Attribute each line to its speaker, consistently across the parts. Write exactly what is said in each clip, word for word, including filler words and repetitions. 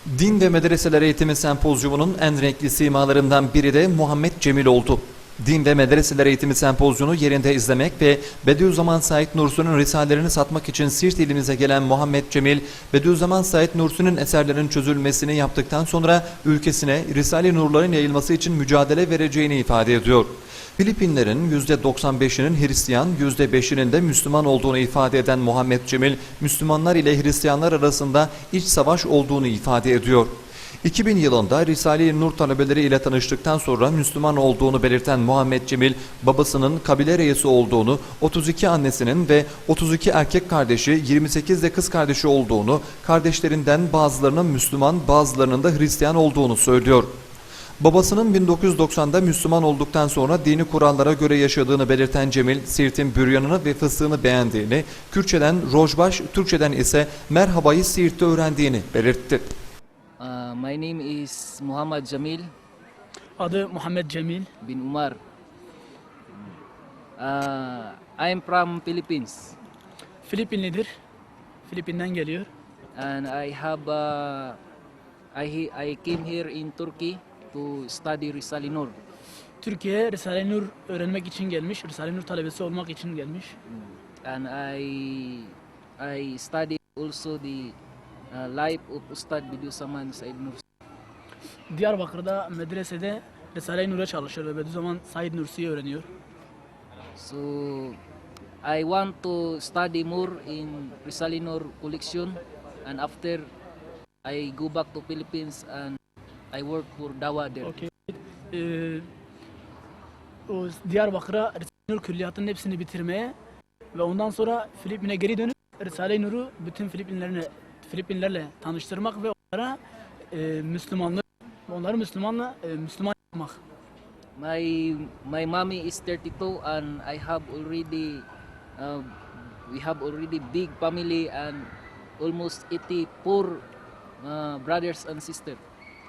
Speaker 1: Din ve Medreseler Eğitimi Sempozyumu'nun en renkli simalarından biri de Muhammed Cemil oldu. Din ve Medreseler Eğitimi Sempozyumu yerinde izlemek ve Bediüzzaman Said Nursi'nin risalelerini satmak için Siirt ilimize gelen Muhammed Cemil, Bediüzzaman Said Nursi'nin eserlerinin çözülmesini yaptıktan sonra ülkesine Risale-i Nurların yayılması için mücadele vereceğini ifade ediyor. Filipinlerin yüzde doksan beşinin Hristiyan, yüzde beşinin de Müslüman olduğunu ifade eden Muhammed Cemil, Müslümanlar ile Hristiyanlar arasında iç savaş olduğunu ifade ediyor. iki bin yılında Risale-i Nur talebeleri ile tanıştıktan sonra Müslüman olduğunu belirten Muhammed Cemil, babasının kabile reisi olduğunu, otuz iki annesinin ve otuz iki erkek kardeşi, yirmi sekiz de kız kardeşi olduğunu, kardeşlerinden bazılarının Müslüman, bazılarının da Hristiyan olduğunu söylüyor. Babasının bin dokuz yüz doksanda Müslüman olduktan sonra dini kurallara göre yaşadığını belirten Cemil, Siirt'in büryanını ve fıstığını beğendiğini, Kürtçeden rojbaş, Türkçeden ise merhabayı Siirt'te öğrendiğini belirtti.
Speaker 2: Uh, my name is Muhammad Jamil
Speaker 3: Adı Muhammed Cemil.
Speaker 2: bin Umar. Uh, I am from Philippines
Speaker 3: Filipinlidir. Filipin'den geliyor.
Speaker 2: and I have uh, I I came here in Turkey to study Risale-i Nur.
Speaker 3: Türkiye'ye Risale-i Nur öğrenmek için gelmiş. Risale-i Nur talebesi olmak için gelmiş.
Speaker 2: And I I studied also the uh, life of Ustad Bediüzzaman Said Nursi.
Speaker 3: Diyarbakır'da medresede Risale-i Nur'a çalışıyor ve Bediüzzaman Said Nursi'yi öğreniyor.
Speaker 2: So I want to study more in Risale-i Nur collection, and after I go back to Philippines and I work for Dawa there.
Speaker 3: Okay. Ee, o Diyarbakır'a Risale-i Nur külliyatının hepsini bitirmeye ve ondan sonra Filipin'e geri dönüp Risale-i Nur'u bütün Filipinlerle Filipinlerle tanıştırmak ve onlara e, Müslümanlık, onları Müslümanla e, Müslüman yapmak.
Speaker 2: My my mommy is thirty-two and I have already uh, we have already big family and almost eighty-four uh, brothers and sisters.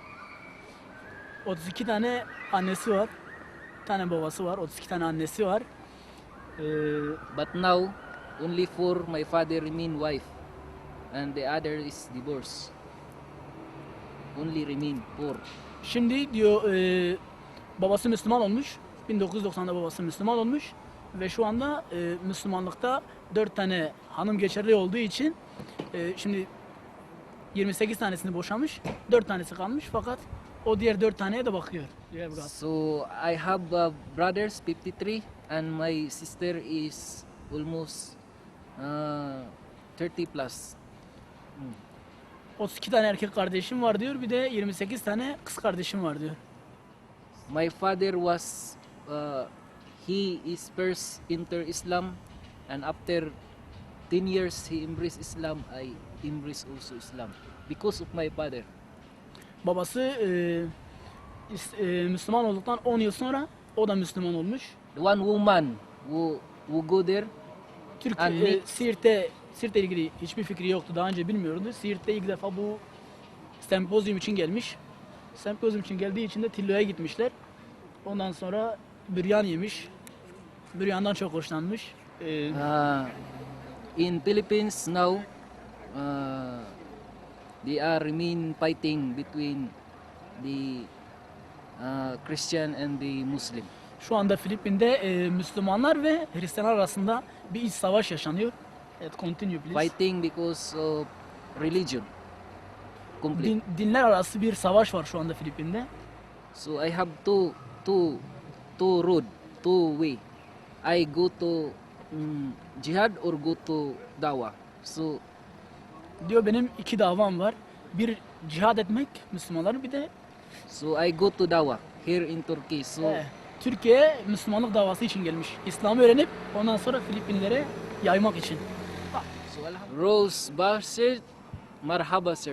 Speaker 3: otuz iki tane annesi var. Bir tane babası var. otuz iki tane annesi var. Ee,
Speaker 2: But now only four my father remain wife and the other is divorced. Only remain four.
Speaker 3: Şimdi diyor e, babası Müslüman olmuş. bin dokuz yüz doksanda babası Müslüman olmuş. Ve şu anda e, Müslümanlıkta dört tane hanım geçerli olduğu için e, şimdi yirmi sekiz tanesini boşamış. dört tanesi kalmış fakat o diğer dört taneye de bakıyor. Diğer biraz.
Speaker 2: So I have uh, brothers fifty-three and my sister is almost uh, thirty plus.
Speaker 3: otuz iki tane erkek kardeşim var diyor. Bir de yirmi sekiz tane kız kardeşim var diyor.
Speaker 2: My father was uh, he is first enter Islam and after ten years he embraced Islam. I embrace also Islam because of my father.
Speaker 3: Babası e, is- e, Müslüman olduktan on yıl sonra o da Müslüman olmuş.
Speaker 2: The one woman who who go there
Speaker 3: Türk
Speaker 2: And
Speaker 3: e,
Speaker 2: me-
Speaker 3: Siirt'te Siirt'le ilgili hiçbir fikri yoktu. Daha önce bilmiyordu. Siirt'te ilk defa bu sempozyum için gelmiş. Sempozyum için geldiği için de Tillo'ya gitmişler. Ondan sonra büryan yemiş. Büryandan çok hoşlanmış. Ee,
Speaker 2: uh, in Philippines now uh, they are remain fighting between the uh, Christian and the Muslim.
Speaker 3: Şu anda Filipin'de e, Müslümanlar ve Hristiyanlar arasında bir iç savaş yaşanıyor. Evet, continue please.
Speaker 2: Fighting because of religion. Complete.
Speaker 3: Din- dinler arası bir savaş var şu anda Filipin'de.
Speaker 2: So I have two two two road, two way. I go to um, jihad or go to dawa. So
Speaker 3: Diyor benim iki davam var. Bir cihad etmek Müslümanların, bir de
Speaker 2: so I go to dawa here in Turkey. So
Speaker 3: e, Türkiye'ye Müslümanlık davası için gelmiş. İslam'ı öğrenip ondan sonra Filipinlere yaymak için.
Speaker 2: so Rose Basir, marhaba sir.